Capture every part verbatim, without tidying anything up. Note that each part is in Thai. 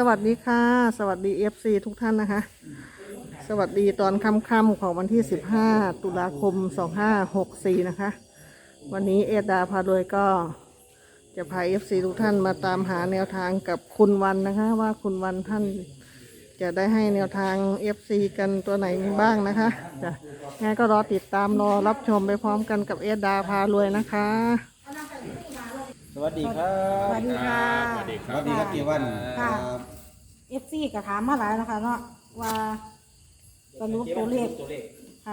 วัสดีค่ะสวัสดี เอฟ ซี ทุกท่านนะคะสวัสดีตอนค่ำๆของวันที่สิบห้าตุลาคมสองห้าหกสี่นะคะวันนี้เอดาพาโดยก็จะพา เอฟ ซี ทุกท่านมาตามหาแนวทางกับคุณวันนะคะว่าคุณวันท่านจะได้ให้แนวทาง เอฟ ซี กันตัวไหนบ้างนะคะจะงั้นก็รอติดตามรอรับชมไปพร้อมกันกับเอดาพารวยนะคะสวัสดีครับสวัสดีค่ะสวัสดีครับสวัสดีครับเกวันค่ะ เอฟซีก็ถามมาหลายนะคะเนาะว่าสรุปตัวเลขตัวเลขค่ะ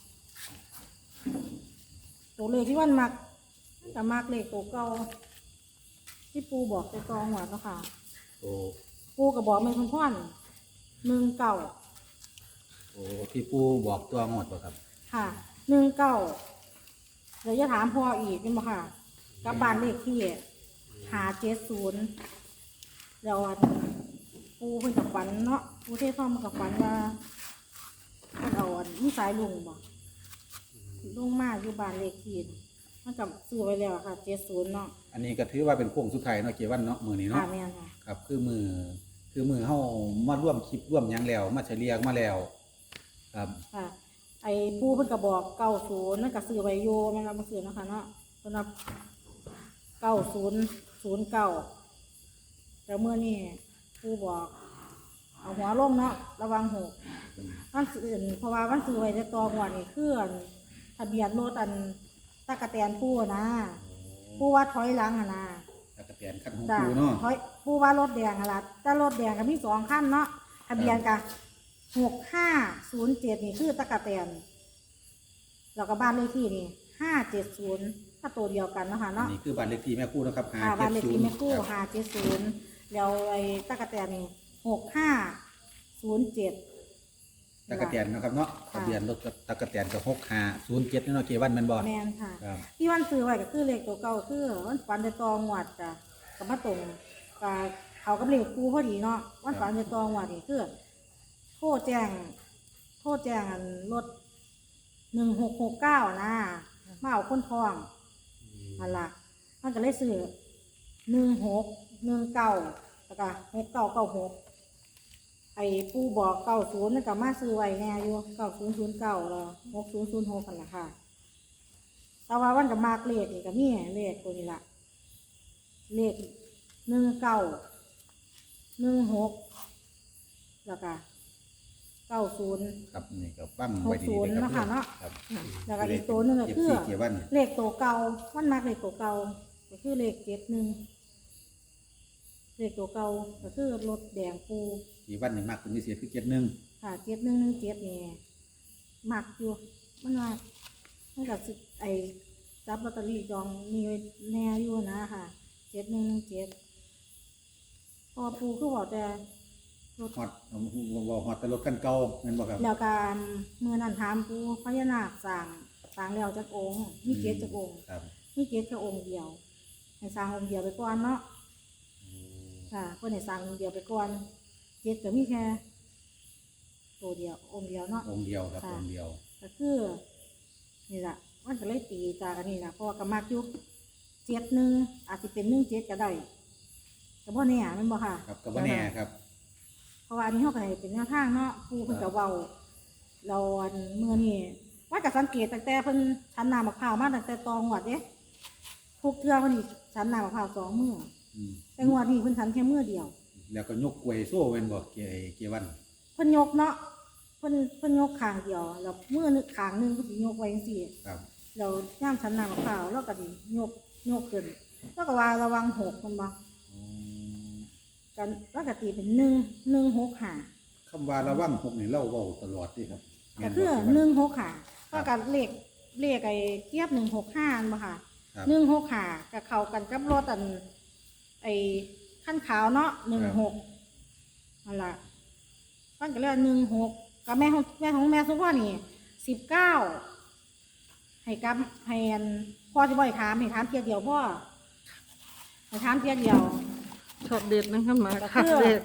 ตัวเลขที่วันมักแต่มักเลขตัวเก่าที่ปูบอกไปกองหัวแล้วค่ะโอ้ปูก็บอกไม่คนพ่อนหนึ่งเก่าโอ้พี่ปูบอกตัวงดป่ะครับค่ะหนึ่งเก่าเดี๋ยวจะถามพ่ออีกเป็นบ่ค่ะกับบ้านเลขที่หาเจ็ดศูนย์เดี๋ยวอันปูเพิ่นกับฝันเนาะปูเทศท่องมันกับฝันว่าเพิ่นเอาอันนิสัยลุงบ่ลุงมาอยู่บ้านเลขที่มันกับซื้อไว้แล้วค่ะเจ็ดศูนย์เนาะอันนี้ก็ถือว่าเป็นโค้งสุดท้ายเนาะเกวันเนาะมือนี้ค่ะเนาะแม่นค่ะครับคือมือคือมือเฮามาร่วมคลิปร่วมหยังแล้วมาเฉลี่ยมาแล้วครับค่ะไอ้ปูเพิ่นก็บอกเก้าศูนย์นั่นก็ซื้อไว้อยู่แม่นบ่มาซื้อเนาะค่ะเนาะเพิ่นว่าเก้าศูนย์ศูนย์เก้าแต่เมื่อนี้ปูบอกเอาหัวลงเนาะระวังหกวันอื่นเพราะว่าวันซื้อไว้ในตองวันนี่คืออันทะเบียนรถอันตะกะแตนปูนะปูว่าถอยหลังอะนะแล้วก็เปลี่ยนขั้นของจ้ะปูเนาะถอยปูว่ารถแดงอะล่ะแต่รถแดงก็มีสองขั้นเนาะทะเบียนกับหกห้าศูนย์เจ็ดนี่คือตะกะแตนแล้วก็บ้านเลขที่นี่ห้าเจ็ดศูนย์ก็ตัวเดียวกันเนาะคะอัเนาะนนี้คือบ้านเลขที่แม่คู่นะครับค่ะบ้านเลขที่แม่กู้ครับห้าเจ็ดศูนย์แล้วไอ้ตะกะแตนนี่หกห้าศูนย์เจ็ดตะกะแตนนะครับเนาะทะเบียนรถตะกะแตนกับหกห้าศูนย์เจ็ดเนาะเกวันแม่นบ่แมนค่ะครับที่วันซื้อไว้ก็คือเลขตัวเก่าคือวันฝันในตองหวัดจ้ะกับมาตรงกับเขากับเลขกูพอดีเนาะวันฝันในตองหวัดนี่คือโทษแจ้งโทษแจ้งอันรถหนึ่งหกหกเก้านะมาเอาคนทองอันละมันก็เลยซื้อหนึ่งหกหนึ่งเก้าแล้วก็หกเก้าเก้าหกไอ้ปูบอกเก้าศูนย์นั่นก็มาซื้อไว้แน่อยู่เก้าศูนย์ศูนย์เก้าแล้วหกศูนย์ศูนย์หกกันละค่ะ แต่ว่าวันกับมากเลขนี่ก็มีเลขตัวนี้ละเลขหนึ่งเก้าหนึ่งหกแล้วก็เก้าศูนย์ครับนี่ก็ฟังหไว้กดีศูนๆย์เลยครัเนาะค่ะเนาะครับแล้วก็อีกตัวหนึงก็คือเอฟซีเกวันเลขตัวเก่าวันมากเลขตัวเก่าก็คือเลขเจ็ดหนึ่งเลขตัวเก่าก็คือรถแดงปูเกวันนี่มากเป็นพิเศษคือเจ็ดหนึ่งค่ะเจ็ดหนึ่งหนึ่งเจ็ดนี่มักอยู่มันว่ามันกับไอ้จับลอตเตอรี่จองมีไว้แน่อยู่นะค่ะเจ็ดหนึ่งหนึ่งเจ็ดพอปูคือบอกแต่รถฮอดบอกฮอดแต่รถคันเก่าแม่นบ่ครับแล้วการเมื่อนั้นถามปูพญานาคสั่งสั่งแล้วจากองค์มีเจ็ดจากองค์ครับมีเจ็ดแค่องค์เดียวให้สร้างองค์เดียวไปก่อนเนาะค่ะเพื่อนให้สร้างองค์เดียวไปก่อนเจ็ดก็มีแค่ตัวเดียวองค์เดียวเนาะองค์เดียวครับค่ะองค์เดียวก็คือนี่แหละมันก็เลยตีจากอันนี้นะเพราะว่ากำมากอยุคเจ็ดหนึ่งอาจจะเป็นหนึ่งเจ็ดก็ได้แต่พ่อเนี่ยมันบอกค่ะครับก็บ่แน่ครับเพราะว่าอันนี้เขาก็ให้เป็นแนวทางเนาะครูเพิ่นกับเบาเราอันเมื่อนี่ว่ากับสังเกตตั้งแต่เพิ่นชันน้ำมะพร้าวมาตั้งแต่ตองหวัดเด้ทุกเทื่อเพิ่นนี่ชันน้ำมะพร้าวสองมืออืมแต่งวดนี้เพิ่นชันแค่มือเดียวแล้วก็ยกกล้วยโซ่แม่นบ่เกเกวันเพิ่นยกเนาะเพิ่นเพิ่นยกข้างเดียวแล้วมือนึงข้างหนึงเพิ่นสิยกไว้จังซี่ครับเราย่ามชั้นน้ำมะพร้าวแล้วก็ดิยกยกขึ้นแล้วก็ว่าระวังหกมันบ่อืมกันแล้วก็ตีเป็นหนึ่งหนึ่งหกหาคำว่าระวังหกนี่เล่าเว้าตลอดเดิครับก็คือหนึ่งหกหาก็กับเลขเลขไอ้เทียบหนึ่งหกห้าบ่ค่ะครับหนึ่งหกหากับเข้ากันกับรถอันไอ้ขั้นขาวเนาะหนึ่งหกนั่นล่ะฟันก็เลยหนึ่งหกกับแม่ของแม่ของแม่สุพ่อนี่สิบเก้าให้กับให้อันพ่อจะบ่อยถามให้ถามเทียเดียวพ่อให้ถามเทียเดียวช็อตเด็ดนะคะมาก็ค่ะคือเด็ด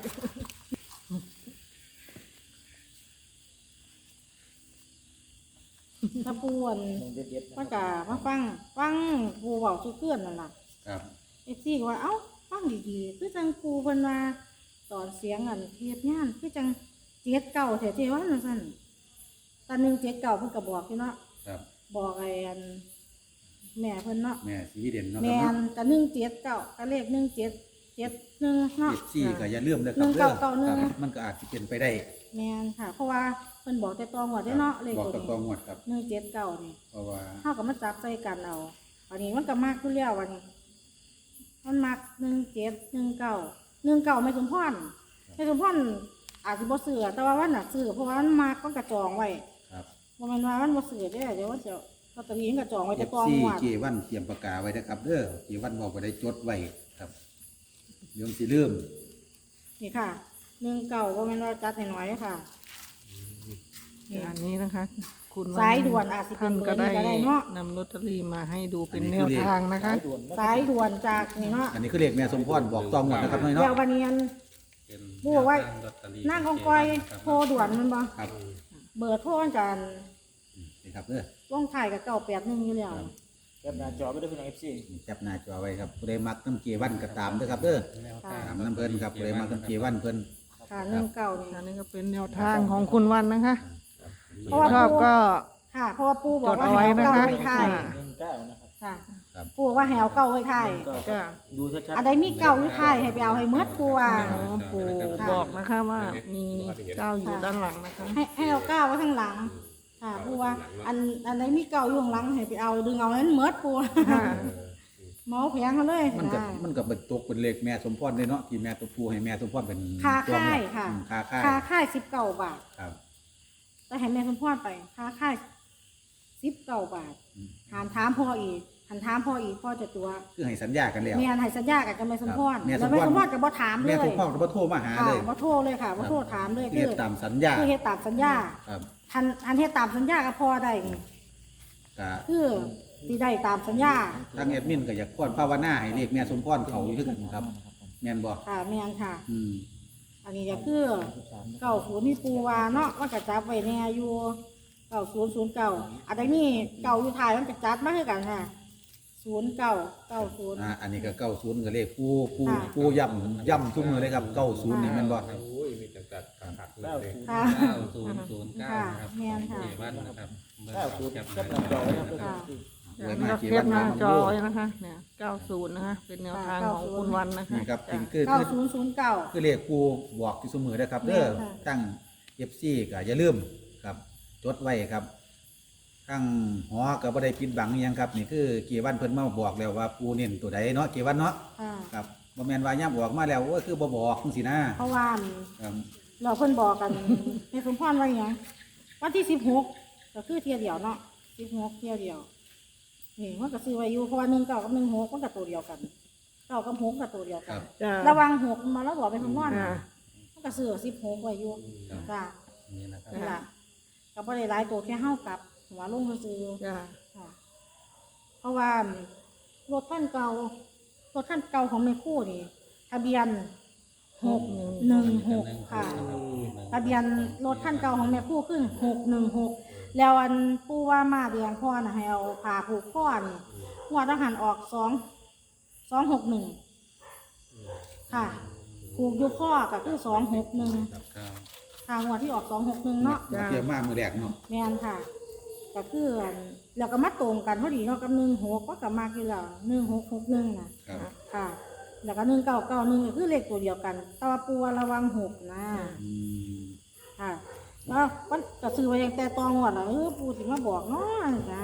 ถ้าปูอันมันก็มาฟังฟังปูเบาสุเพื่อนนั่นล่ะครับเอฟซีก็ว่าเอ้าฟังดีๆคือจังปูเพิ่นว่าตอนเสียงอันเทียบงานคือจังเจ็ดเก่าแท้ๆว่านั่นสั่นตอนหนึ่งเจ็ดเก่าเพิ่นก็บอกอยู่เนาะครับบอกไอ้อันแม่เพิ่นเนาะแม่สีเด่นเนาะคแม่รับนเนาะก็หนึ่งเจ็ดเก่าก็เลขหนึ่งเจ็ดเจ็ดหนึ่งเนาะเอฟซีก็อย่าลืมนะคหนึ่รับงเด้อเก้าเก้าหนึ่งครับมันก็อาจจะเป็นไปได้แม่นค่ะ เพราะว่าเพิ่นบอกแต่ตองว่าได้เนาะเลขบอกตัวกับตองนี้งวดครับหนึ่งเจ็ดเก่านี่เพราะว่าเท่ากับมันจับใส่กันเอาอันนี้มันก็มากขึ้นแล้ววันนี้มันมักหนึ่งเจ็ดหนึ่งเก้าหนึ่งเก้าไม่สมพรไม่สมพรอาจจะบ่ซื้อแต่ว่าวันน่ะซื้อเพราะว่ามันมักมันกระจองไว้ครับบ่แม่นว่ามันบ่ซื้อเด้อเดี๋ยวมันจะลอตเตอรี่มันกระจองไว้เอแต่ฟตองซีหวดเจวันเตรียมปากกาไว้นะครับเด้อเจวันบอกไปได้จดไว้ครับเดี๋ยวสิลืมนี่ค่ะหนึ่งเก้าบ่แม่นว่าจัดน้อยๆค่ะนี่อันนี้นะคะ คุณสายด่วนอาจสิเป็ท่านนเบอร์ก็ได้นี้ก็ได้เนาะนำลอตเตอรี่มาให้ดูเป็นแนวทางนะคะสายด่วนจากนี่เนาะอันนี้คือเลขแม่สมพรบอกตองงวดนะครับน้อยเดี๋ยวเนาะวันนี้อัน บัวไว้ นั่งกองกอยโทรด่วนมันบ่ครับเบอร์โทรกันนี่ครับเด้อลงถ่ายกับเก้าแปดหนึ่งอยู่แล้วแคปหน้าจอไปด้วยพี่น้องเอฟซีนี่จับหน้าจอไว้ครับผู้ใดมักน้ำเจวันก็ตามเด้อครับเด้อค่ะตามน้ำเพิ่นครับผู้ใดมักน้ำเจวันเพิ่นค่ะหนึ่งเก้านี่อันนี้ก็เป็นแนวทางของคุณวันนะคะเพราะว่าชอบก็ค่ะ เพราะว่าปู่บจอกดว่าเอาให้ไว้เอานะเก้าคะไว้ถ่ายอ่าหนึ่งเก้านะครับค่ะครับปู่บอกว่าให้เอาเก้าไว้ถ่ายก็จ้ะดูชัดอันใดมีเก้าอยู่ถ่ายให้ไปเอาให้เมื่อปู่ว่าอ๋อปู่บอกนะคะว่ามีเจ้าอยู่ด้านหลังนะคะให้ให้เอาเก้าไว้ข้างหลัง ค่ะปู่ว่า อันอันใดมีเก้าอยู่ข้างหลังให้ไปเอาดึงเอานั้นเมื่อปู่ค่ะเมาแผงเขาเลยมันก็ได้มันก็เป็นตกเป็นเลขแม่สมพรเลยเนาะที่แม่ตัวผู้ให้แม่สมพรเป็นค่าตัวงวดค่ายค่ะอืมค่าค่ายค่าค่ายสิบเก้าบาทครับแต่ให้แม่สมพรไปค่าค่ายสิบเก้าบาทอืมหานถามพ่ออีกหันถามพ่ออีกพ่อจะตัวคือให้สัญญากันแล้วเมียนให้สัญญากับแม่สมพรครับแม่สแล้มวพรแม่สมพรก็บ่ถามเลแม่ยสมพรก็บ่โทรมาหาค่ะเลยบ่โทรเลยค่ะบ่โทรถามเลยเรีคืยกอตามสัญญาคือเฮ็ดตามสัญญาครับทันทันเฮ็ดตามสัญญากับพ่อได้นี่ก็คือสิได้ตามสัญญาทางแอดมินก็อยากพรภาวนาให้เลขแม่สมพรเขาอยู่คือกันครับแม่นบ่ค่ะแม่นค่ะอืมอันนี้ก็คือเก้าศูนย์มีปูวาเนาะมันก็จับไว้แน่อยู่เก้าศูนย์ศูนย์เก้าอันนี้เก้าอยู่ท้ายมันก็จัดมาคือกันค่ะศูนย์เก้าเก้าศูนย์อ่าอันนี้ก็เก้าศูนย์ก็เลขผู้ผู้ค่ะผู้ย่ำย่ำทุกมือเลยครับเก้าศูนย์นี่แม่นบ่โอ้ยมีแต่จัดขาดเลยค่ะเก้าศูนย์ศูนย์เก้าค่ะนะครับแม่นค่ะเจวันนะครับเบอเก้าร์ศูนย์แคปแคปหน้าจอไว้นะครับค่ะไว้นี่มาก็เจเทียวับนหน้ามาจอดูไว้นะคะ เนี่ยเก้าศูนย์นะคะ เป็นแนวทางของคุณวันนะคะนี่ครับจ้ะคือเก้าคือศูนย์ศูนย์เก้าคือเลขผู้บอกที่เสมอนะครับเด้อแม่นค่ะตั้ง เอฟ ซี ก็อย่าลืมครับ จดไว้ครับทั้งหอก็บ่ได้ปิดบังอิหยังครับ นี่คือเกียวันเพิ่นมาบอกแล้วว่าปูเน้นตัวใดเนาะเกียวันเนาะค่ะครับบ่แม่นว่าย่ำบอกมาแล้วโอ้ยคือบ่บอกจังซี่นะเพราะว่าครับเราเพิ่นบอกกัน ในสมพรว่าอย่างวันที่สิบหกก็คือเที่ยวเดียวเนาะสิบหกเที่ยวเดียวนี่มันก็ซื้อไว้อยู่เพราะว่าหนึ่งเก้ากับหนึ่งหกมันก็ตัวเดียวกันเก้ากับหกก็ตัวเดียวคกัรันบจ้ะระวังหกมาแล้วบอกเป็นสมพรอ่ามันก็ซื้อสิบหกไว้อยู่จ้านี่นะครับนี่ล่ะก็บ่ได้หลายตัวแค่เฮากับหัวลงซื้อจ้ะค่ะเพราะว่ารถท่านเก่ารถท่านเก่าของแม่คู่นี่ทะเบียนหกหนึ่งหกค่ะ ทะเบียนรถท่านเก่าของแม่คู่ขึ้นหกหนึ่งหกแล้วอันปู่ว่ามาเดียงพ่อนะให้เอาผ่าผูกข้อนี่หัวทหารออกสองสองหกหนึ่งค่ะ ผูกอยุข้อก็คือสองหกหนึ่งครับเก้าทางหัวที่ออกสองหกหนึ่งเนาะเตรียมมามือแรกเนาะแม่นค่ะก็คืออันแล้วก็มาตรงกันพอดีเนาะกับหนึ่งหกก็กับมากี่แล้วหนึ่งหกหกหนึ่งนะครับ ค่ะ แล้วก็หนึ่งเก้าเก้าหนึ่งก็คือเลขตัวเดียวกันแต่ว่าปูว่าระวังหกนะอืมค่ะแล้วมันก็ซื้อไว้ตั้งแต่ตองวดแล้วเออปูถึงมาบอกเนาะจ้า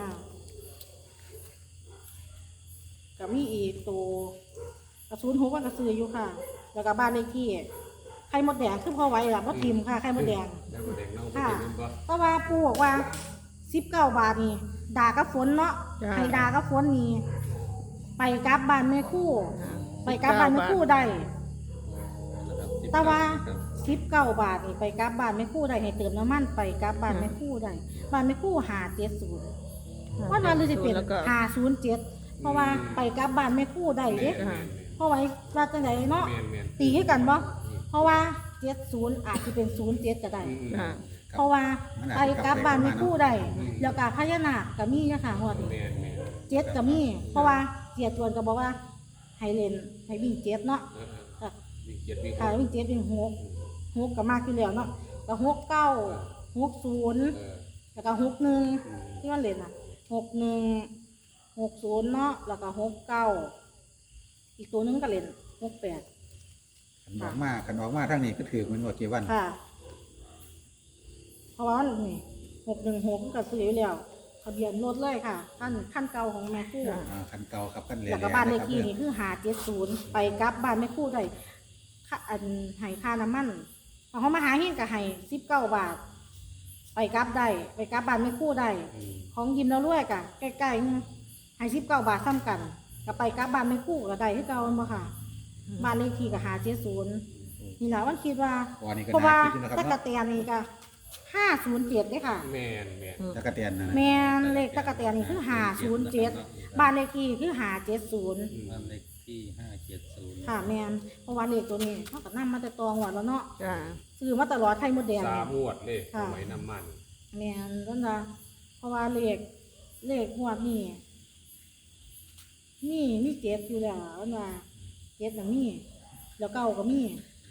ก็มีอีกตัวกระสุนหกมันก็ซื้ออยู่ค่ะ แล้วก็บ้านเลขที่ไข่มดแดงคือพอไว้ละมดทิมค่ะไข่มดแดงได้หมดแดงน้องค่ะเป็นบ่เพราะว่าปูบอกว่าสิบเก้าบาทนี่ด่ากับฝนเนาะให้ด่ากับฝนนี่ไปกลับบ้านแม่คู่ ไปกลับบ้านแม่คู่ได้นะครับแต่ว่าครับสิบเก้าบาทนี่ไปกลับบ้านแม่คู่ได้ให้เติมน้ำมันไปกลับบ้านแม่คู่ได้บ้านแม่คู่หาเจ็ดศูนย์ว่ามันเลยจะเป็นแล้วก็หาศูนย์เจ็ดเพราะว่าไปกลับบ้านแม่คู่ได้เด้จ้ะเพราะไว้ว่าจังไดเนาะแม่นแม่นตีให้กันบ่เพราะว่าเจ็ดศูนย์อาจจะเป็นศูนย์เจ็ดก็ได้อืมอืมจ้ะเพราะว่าไปกลับบ้านแม่คู่ได้แล้วก็พญานาคก็มีนะคะงวดนี้แม่นแม่นเจ็ดก็มี เพราะว่าเสียจวนก็บอกว่าให้เล่นให้วิ่งเจ็ดเนาะเออเออก็วิ่งเจ็ดวิ่งค่ะวิ่งเจ็ดวิ่งหกหกก็มากที่แล้วเนาะก็หกเก้าหกศูนย์เออแล้วก็หกหนึ่งอืมที่มันเล่นอ่ะหกหนึ่งหกศูนย์เนาะแล้วก็หกเก้าอีกตัวหนึงก็เล่นหกแปดขันออกมาขันออกมาทางนี้ก็ถือมันว่าเกวันค่ะ เพราะว่านี่หกหนึ่งหกก็ซื้ออยู่แล้วทะเบียนรถเลยค่ะขั้นขั้นเก่าของแม่คู่อ่าขันเก่าครับขันเหลแล้วก็บ้านเลขที่นี่คือหาเจ็ดศูนย์ไปกลับบ้านแม่คู่ได้ค่าอันให้ค่าน้ำมันพอเขามาหาเฮงก็ให้สิบเก้าบาท ไปกลับได้ไปกลับบ้านแม่คู่ได้อืมของยิมเราด้วยกะใกล้ๆนี่ให้สิบเก้าบาทซ้ำกันก็ไปกลับบ้านไม่คู่ก็ได้ที่เก่าบ่ค่ะ บ้านเลขที่ก็หาเจ็ดศูนย์นี่แหละวันคิดว่าวันนี้ก็เพราะว่าน่าคิดอยู่นะครับตะกะเนาะเตียนนี่ก็ห้าศูนย์เจ็ดได้ค่ะแม่นแม่นตะกะเตียนนะนะแมนเลขตะกะเตียนนี่คือหาศูนย์เจ็ดบ้านเลขที่คือหาเจ็ดศูนย์บ้านเลขที่ห้าเจ็ดศูนย์ค่ะแมนเพราะว่าเลขตัวนี้เขาก็นำมาแต่ตองหวดแล้วเนาะจ้าซื้อมาตลอดไทยมดแดงสานี่มงวดเลยสค่ะมัยน้ำมันแมนนั่นละเพราะว่าเลขเลขงวดนี่นี่มีเจ็ดอยู่แล้วนั่นว่าเจ็ดน่ะมีแล้วเก้าก็มี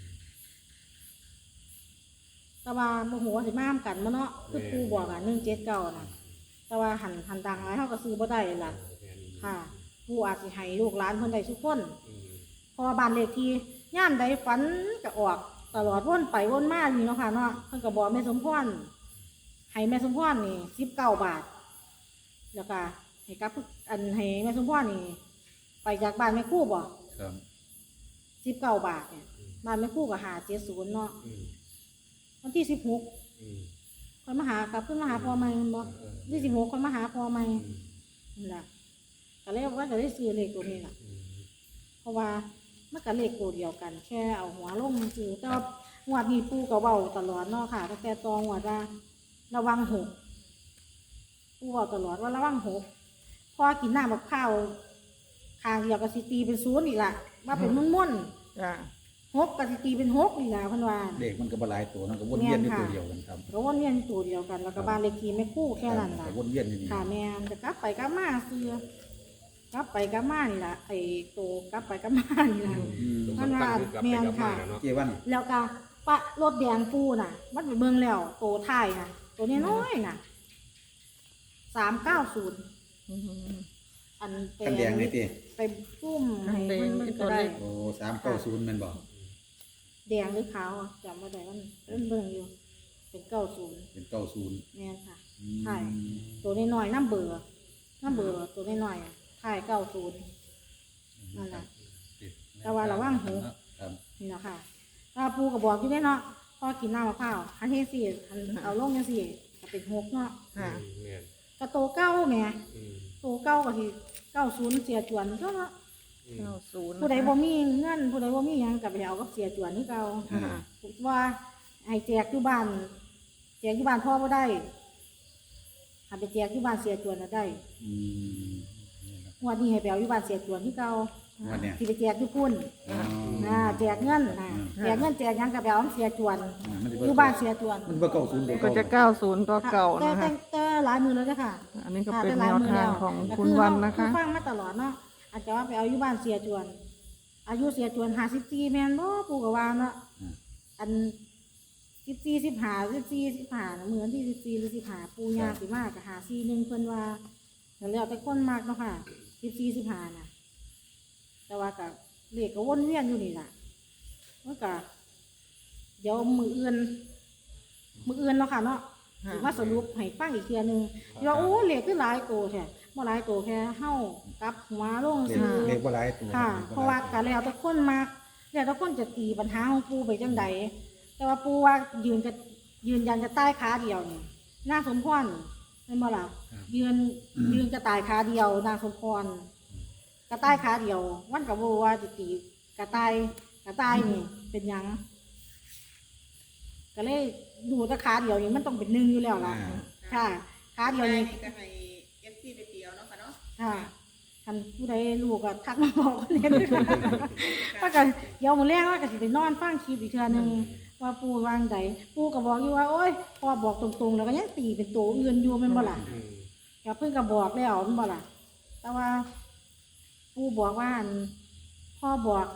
แต่ว่าโมโหสิมามกันมาเนาะคือครูบอกอ่ะหนึ่งเจ็ดเก้านะแต่ว่าหันหันดังไรเขาก็ซื้อบ่ได้ล่ะแม่นค่ะครูอาจสิให้ลูกหลานเพิ่นได้ทุกคนอืมเพราะว่าบ้านเลขที่ย่ามใดฝันก็ออกตลอดวนไปวนมาอยู่เนาะค่ะเนาะเพิ่นก็บอกแม่สมพรให้แม่สมพรนี่สิบเก้าบาท แล้วก็ให้กับอันให้แม่สมพรนี่ ไปจากบ้านแม่ครู่บ่ครับสิบเก้าบาทเนี่ยบ้านแม่ครู่ก็หาเจ็ดศูนย์เนาะอืมวันที่สิบหกอืมคนมาหากลับขึ้นมาหาพ่อใหม่บ่เออที่สิบหกคนมาหาพ่อใหม่อืมนั่นแหละก็เลยว่าจะได้ซื้อเลขตัวนี้ล่ะอืมเพราะว่ามันก็เลขตัวเดียวกัน แค่เอาหัวลงซื้อแต่ว่าหวดนี้ปูก็เว้าตลอดเนาะค่ะตั้งแต่ตองหวดว่าระวังหกปูเว้าตลอดว่าระวังหกพอกินน้ำมะพร้าวคางเดียวก็สิตีเป็นศูนย์อีกละว่าเป็นมุ่นมุ่นจ้าๆหกก็สิตีเป็นหกอีกละเพันว่าเด็กมันก็บหลายตัวมันก็วนเวียนอยู่แม่นค่ะตัวเดียวกันครับก็วนเวียนตัวเดียวกัน แล้วก็บ้านเลขที่ไม่คู่แค่นั้นครัล่ะบวนเวียนอยู่นี่ค่ะแม่นจะกลับไปกลับมาซื้อกลับไปกลับมานี่ล่ะไอ้โตกลับไปกลับมานี่ล่ะอืมสำคัญคือกลับไปกลับมาเนาะเกวันแล้วก็ปะรถแดงปูน่ะ มันไปเบิ่งแล้วโตท้ายน่ะตัวน้อยๆน่ะสามเก้าศูนย์อันเป็กันแดงนี่ติไปปุ้มให้เบิ่งมันก็ได้โอ้สามเก้าศูนย์แมันบอกแดงหรือขาวอะจำไม่ได้มันเบิ่งเบิ่งอยู่ เป็นเก้าศูนย์เป็นเก้าศูนย์แม่นค่ะอืมใช่ ตัวน้อยๆน้ำเบื่อน้ำเบื่อตัวน้อยๆอะท้ายเก้าศูนย์นั่นแหละ แต่ว่าระวังหูครับนี่แหละค่ะถ้าปูกระบอกอยู่ได้เนาะพอกินน้ำมะพร้าวอันที่สี่อันเอาลงยังสี่ก็เป็นหกเนาะค่ะแม่นกระโตเก้าแหม่อืมโตเก้าก็ที่เก้าศูนย์เสียจวนก็เนาะอืมเก้าศูนย์ผู้ใดบ่มีเงินผู้ใดบ่มีหยังก็ไปเอาก็เสียจวนนี่เก่าอ่าว่าให้แจกอยู่บ้านแจกอยู่บ้านพ่อบ่ได้หาไปแจกอยู่บ้านเสียจวนน่ะได้อืมงวดนี้ให้ไปเอาอยู่บ้านเสียจวนที่เก่าวันเนี้ยสิไปแจกอยู่พุ่นอ๋ออ่าแจกเงินน่ะแจกเงินแจกหยังก็ไปเอาเสียจวนอ่ามันจะอยู่บ้านเสียจวนมันว่าเก้าศูนย์ก็จะเก้าศูนย์ก็เก่าแต่นะแต่คะแต่หลายมือแล้วจ้ะค่ะอันนี้ก็ค่ะเป็นแต่หแนลายว มือทาแล้งวของแต่คุณวันนะคะอฟังมาตลอดเนาะอาจจะว่าไปเอาอยู่บ้านเสียจวน อายุเสียจวนห้าสิบสี่แม่นบ่ปู่ก็ว่าเนาะอืมอันสิบสี่สิบห้าสิบสี่สิบห้าน่ะเหมือนที่สิบสี่หรือสิบห้าปู่ย่าสิมากกับหาสี่หนึ่งเพิ่นว่าแต่แล้วแต่คนมากเนาะค่ะสิบสี่สิบห้าน่ะ แต่ว่ากับเลขก็วนเวียนอยู่นี่ล่ะมันก็เดี๋ยวมืออื่นมืออื่นเนาะค่ะเนาะค่ะสิมาสรุปให้ฟังอีกเทียหนึงที่ว่าโอ้เลขคือหลายโตแท้บ่หลายโตแค่เฮากลับหัวลงเด็กซื้อเด็กว่าหลายตัวค่ะด็กเพราะว่าการแล้วแต่คนมากแล้วแต่คนจะตีปัญหาของปูไปจังใดแต่ว่าปูว่ายืนจะยืนยันจะใต้ขาเดียวนี่นางสมพรเป็นบ่ล่ะยืนยืนจะตายขาเดียวนางสมพรกระต่ายขาเดียววันกับบ่ว่าจะตีกระต่ายกระต่ายนี่ เป็นหยังก็เลยดูแต่ขาเดียวนี่มันต้องเป็นหนึ่งอยู่แล้วล่ะอ่าค่ะขาเดียวนี่ก็ให้เอฟซีไปเตียวเนาะค่ะเนาะค่ะท่านผู้ใดรู้ก็ทักมาบอกกันเลยด้วยค่ะว่ากันเดี๋ยวมื้อแรกว่าก็สิไปนอนฟังคลิปอีกเทื่อหนึงว่าปู่วางใดปู่ก็บอกอยู่ว่าโอ๊ยพ่อบอกตรงๆ แล้วก็ยังตีเป็นตัวอื่นอยู่แม่นบ่ล่ะอืมก็เพิ่นก็บอกแล้วแม่นบ่ล่ะแต่ว่าปู่บอกว่าอั่นพ่อบอก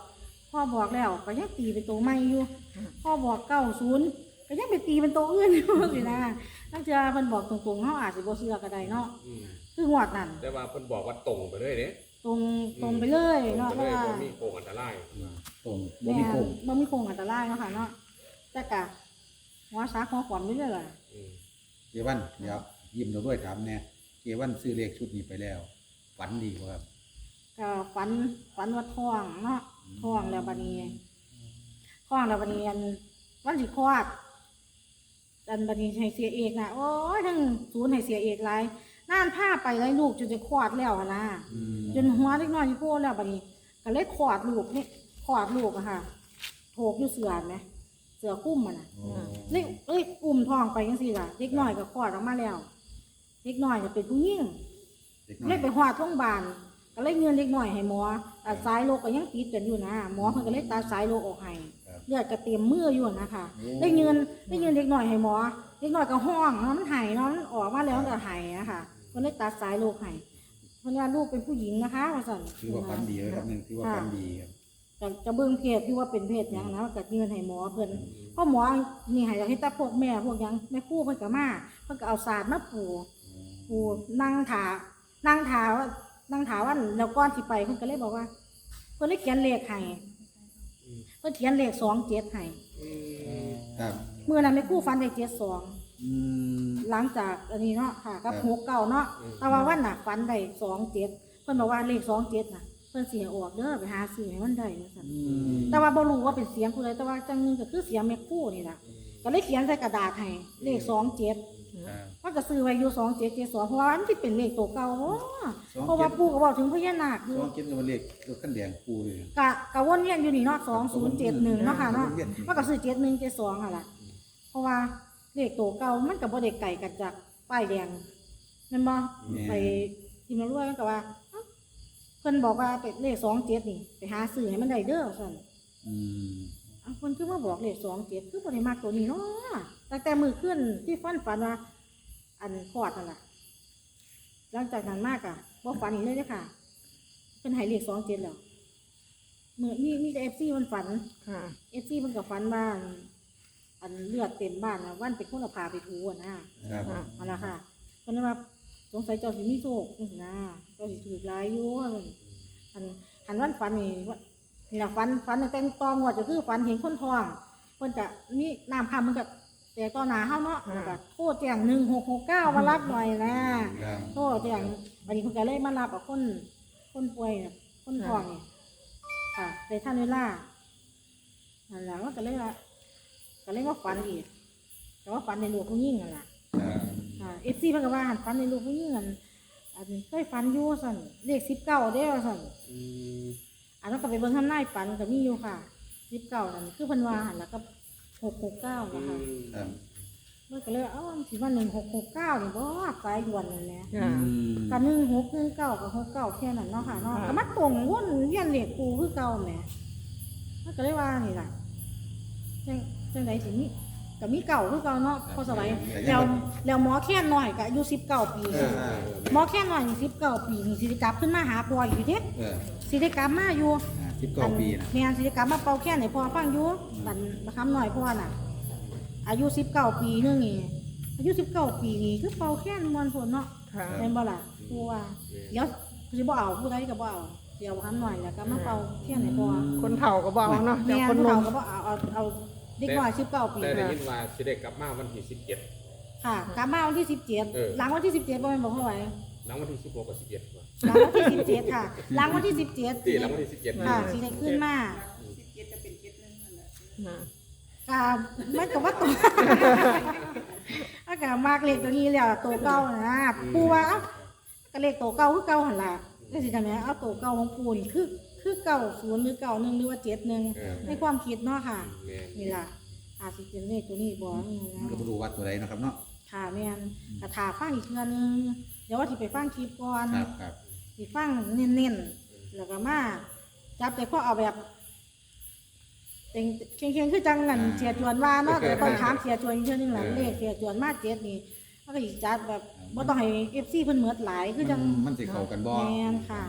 พ่อบอกแล้วก็ยังตีเป็นตัวใหม่อยู่พ่อบอกเก้าศูนย์ก็ยังไปตีเป็นตัวอื่นอยู่สินะตั้งแต่เพิ่นบอกตรงๆเขาอาจสิบ่เชื่อก็ได้เนาะอืมคืองวดนั่นแต่ว่าเพิ่นบอกว่าตรงไปเลยเด้ตรงตรงไปเลยตรเนาะงเพไปราะเลยว่าบ่มีโกงอันตรายตรงบ่แม่มีโค้งบ่มีโคงอันตรายเนาะค่ะเนาะแต่กะหัวซักหัวขวามนี่เลยล่ะอืมเกวันเดี๋ยวยิ้มเราด้วยถามแน่เกวันซื้อเลขชุดนี้ไปแล้วฝันดีบ่ครับก็ฝันฝันว่าท้องเนาะท้องแล้วบัดนี้ท้องแล้วบัดนี้อันวันสิคลอดอันบัดนี้ให้เสียเอกนะโอ้ยทั้งศูนย์ให้เสียเอกหลายน่านผ้าไปไล่ลูกจนจะคลอดแล้วอะนะอืมจนหัวเล็กน้อยอยู่โป้แล้วบัดนี้ก็เลยคลอดลูกนี่คลอดลูกอะค่ะโถกอยู่เสือไหมเสือคุ้มมันน่ะโอ้เล็กเอ้ยอุ้มท้องไปยังสิล่ะเล็กน้อยก็คลอดออกมาแล้วเล็กน้อยจะเป็นผู้หญิงเด็กน้อเลย ยไปหอดโรงพยาบาลก็เลยเงินเล็กน้อยให้หมอตัดสายโลกก็ยังติดกันอยู่นะหมอเพิ่นก็เลยตัดสายโลกออกให้เลือดก็เต็มมืออยู่นะคะได้เงินได้เงินเล็กน้อยให้หมอเล็กน้อยก็ห้องเนาะมันหายเนาะมันออกมาแล้วมันก็หายนะคะเพิ่นเลยตัดสายโลกให้เพิ่นว่าลูกเป็นผู้หญิงนะคะว่าซั่นถือว่าฝันดีเลยครับหนึงถือว่าฝันดีครับจะจะเบิ่งเพศที่ว่าเป็นเพศหยังนะก็เงินให้หมอเพิ่นเพราะหมอนี่ให้ให้แต่พวกแม่พวกหยังแม่ครูเพิ่นก็มาเพิ่นก็เอาศาสตร์มาปูปูนั่งถานั่งถาว่านั่งถาว่าแล้วก่อนสิไปเพิ่นก็เลยบอกว่าเพิ่นเลยเขียนเลขให้เพิ่นเขียนเลขสองเจ็ดให้ครับมื้อนั้นแม่ครูฟันได้เจ็ดสองอืมหลังจากอันนี้เนาะค่ะกับครับหกเก้าเนาะแต่ว่าวันน่ะฟันได้สองเจ็ดเพิ่นบอกว่าเลขสองเจ็ดน่ะเพิ่นสิให้ออกเด้อไปหาซื้อให้มันได้ว่าซั่นอืมแต่ว่าบ่รู้ว่าเป็นเสียงผู้ใดแต่ว่าจังหนึงก็คือเสียงแม่ครู่นี่ล่ะก็เลยเขียนใส่กระดาษให้เลขสองเจ็ดครับมันก็ซื้อไว้อยู่สองเจ็ดเจ็ดสองเพราะว่ามันสิเป็นเลขตัวเก่าเนาะเพราะว่าปู่ก็บอกถึงพญานาคอยู่สองคิดว่าเลขตัวขั้นแดงปูเลยกะกะวนเวียนอยู่นี่เนาะสองศูนย์เจ็ดหนึ่งเนาะค่ะเนาะวนเวียนอยู่มันก็ซื้อเจ็ดหนึ่งเจ็ดสองอ่ะล่ะเพราะว่าเลขตัวเก่ามันก็บ่ได้ไก่กันจากป้ายแดงแม่นบ่ไปที่มารวยมันก็ว่าเอ้าเพิ่นบอกว่าเป็นเลขสองเจ็ดนี่ไปหาซื้อให้มันได้เด้อซั่นอืมอันคนคือมาบอกเลขสองเจ็ดคือบ่ได้มากตัวนี้เนาะตั้งแต่มือขึ้นที่ฟันฝันว่า อันคลอดนั่นแหละหลังจากนั้นมากอ่ะบ่ฝันอีกเลยเด้อค่ะ เป็นใหายเลขสองเจ็ดแล้วมือมีมีแต่เอฟซีมันฝันค่ะเอฟซีมันกับฝันว่าอันอันเลือดเต็มบ้านนะวันเป็นคนเอาพาไปถูอะนะครับค่ะเอาละค่ะคนนั้นว่าสงสัยเจ้าสิมีโชคจังซี้นะเจ้าสิถูกหลายอยู่อันอันวันฝันนี่ว่านี่ล่ะฝันฝันตั้งแต่ตองวดก็คือฝันเห็นคนท้องเพิ่นก็มีน้ำคำมันก็แต่ต่อหน้าเฮาเนาะแล้วก็โทรแจ้งหนึ่งหกหกเก้ามารับหน่อยนะครับ โทรแจ้งวันนี้เพิ่นก็เลยมารับเอาคนคนป่วยน่ะคนท้องนี่ค่ะในท่านเวลานั่นแหละมันก็เลยว่าก็เลยว่าฝันอีกแต่ว่าฝันในลูกผู้หญิงนั่นแหละครับอ่าเอฟซีเพิ่นก็ว่าหันฝันในลูกผู้หญิงอันอันเคยฝันอยู่สั่นเลขสิบเก้าเด้อสั่นอืมอันนั้นก็ไปเบิ่งทำนายฝันก็มีอยู่ค่ะสิบเก้านั่นคือเพิ่นว่าหันแล้วก็หกหกเก้านะคะครับเมื่อก็เลยเอ้าสิว่าหนึ่งหกหกเก้านี่บ่สายด่วนนั่นแหละค่ะอืมกับหนึ่งหกหนึ่งเก้ากับหกเก้าแค่นั้นเนาะค่ะเนาะก็มาตรงวนเวียนเลขปูคือเก่าแหมมันก็เลยว่านี่ล่ะจังจังไดสิมีก็มีเก่าคือเก่าเนาะพอสบายแล้วแล้วหมอแค่น้อยก็อายุสิบเก้าปีเออหมอแค่น้อยนี่สิบเก้าปีนี่สิได้กลับขึ้นมาหาพ่ออยู่เด้เออสิได้กลับมาอยู่สิบเก้าปีนะแม่นสิได้กลับมาเป่าแค่นให้พ่อฟังอยู่บัดบักคำน้อยพ่อน่ะ อายุสิบเก้าปีนึงนี่อายุสิบเก้าปีนี่คือเป่าแค่นมวนพุ่นเนาะค่ะแม่นบ่ล่ะกูว่าเดี๋ยวสิบ่เอาผู้ใดก็บ่เอาเดี๋ยวบักคำน้อยแล้วก็มาเป่าแค่นให้พ่อคนเฒ่าก็บอกเนาะแต่แม่นคนผู้หนุ่เฒ่าม ก็บ่เอาเอาเอาเด็กน้อยสิบเก้าปีแต่ได้ยินว่าสิได้กลับมาวันที่สิบเจ็ดค่ะกลับมาวันที่สิบเจ็ดเออหลังวันที่สิบเจ็ดบ่แม่นบ่พ่อไหวหลังวันที่สิบหกกับสิบเจ็ดว่ะหลังวันที่สิบเจ็ดค่ะหลังวันที่สิบเจ็ดที่หลังวันที่สิบเจ็ดค่ะสิได้ขึ้นมาสิบเจ็ดจะเป็นเจ็ดหนึ่งนั่นแหละค่ะกามันก็ว่าตัว อากามากเลขตัวนี้แล้วตัวเก่านะปูว่าเอ้าก็เลขตัวเก่าคือเก่าหันละแล้วสิทำไงเอาตัวเก่าของปูนี่คือคือเก่าศูนย์หรือเก่าหนึ่งหรือว่าเจ็ดหนึ่งเออในความคิดเนาะค่ะแม่นนี่ล่ะอาจสิเป็นเลขตัวนี้บ่นี่นะก็ไม่รู้ว่าตัวใดนะครับเนาะค่ะแม่นกระถาฟังอีกเทื่อนึงเดี๋ยวว่าสิไปฟังคลิปก่อนครับครับสิฟังเน้นๆแล้วก็มาจับแต่ข้อเอาแบบเต็งเคียงๆคือจังงันเสียจวนว่าเนาะแต่ต้องถามเสียจวนอีกเทื่อนึงหลังเลขเสียจวนมาเจ็ดนี่มันก็อีกจัดแบบบ่ต้องให้ เอฟ ซี เพิ่นเหมือดหลายคือจังมันสิเข้ากันบ่แม่นค่ะ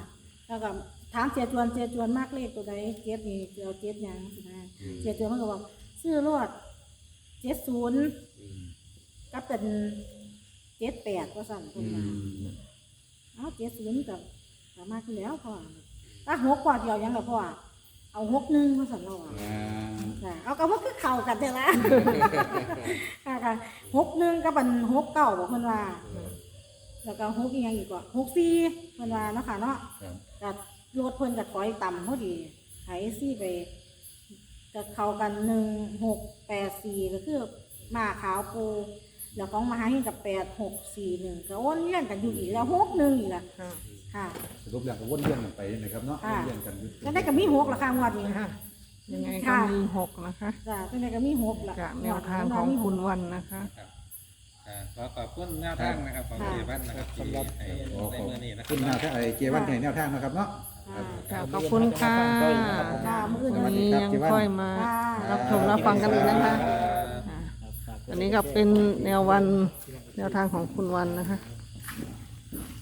แล้วก็ถามเสียจวนเสียจวนมากเลขตัวใดเจ็ดนี่เจียวเจ็ดหยังสินะเสียจวนมันก็บอกซื้อรวดเจ็ดศูนย์อืมก็เป็นเจ็ดแปดก็สั่นตรอืงนั้นมเอาเจ็ดศูนย์กับสามารถที่แล้วพ่อถ้าหกกว่าเดียวยังกับพ่อเอาหกหนึ่งก็สั่นเราอ่ะอ่าจ้ะเอากับว่าคือเข่ากันเดี๋ยวละ ค่ะค่ะหกหนึ่งก็เป็นหกเก้าบอกคนว่า แล้วก็หกอีกอย่างอีกว่าหกสี่คนว่าเนาะค่ะเนาะครับกับรถเพิ่นกับถอยต่ำพอดีไถซี่ไปกับเข้ากันหนึ่งหกแปดสี่ก็คือหมาขาวปูแล้วของมหาหินกับแปดหกสี่หนึ่งก็วนเวียนกันอยู่อีกแล้วหกหนึ่งอีกแล้วค่ะค่ะสรุปแล้วก็วนเวียนกันไปนะครับเนาะค่ะวนเวียนกันอยู่ก็ได้กับมีหกละค่ะงวดนี้ค่ะยังไงก็ค่ะมีหกนะคะจ้ะก็ได้กับมีหกละจากแนวทางของคุณวันนะคะอ่าขอขอบคุณแนวทางนะครับของเจวันนะครับที่ให้ขอในขอบเมื่อนี้นะคคุรับณแนวทางไอ้เจวันในแนวทางนะครับเนาะค่ะค่ะขอบคุณค่ะค่ะมื้ออื่นวันจะมานี้ยังค่อยมารับชมรับฟังกันอีกนะคะค่ะอันนี้ก็เป็นแนววันแนวทางของคุณวันนะคะ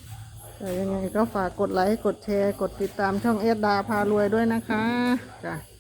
แต่ยังไงก็ฝากกดไลค์กดแชร์กดติดตามช่องเอสดาพารวยด้วยนะคะจ้ะ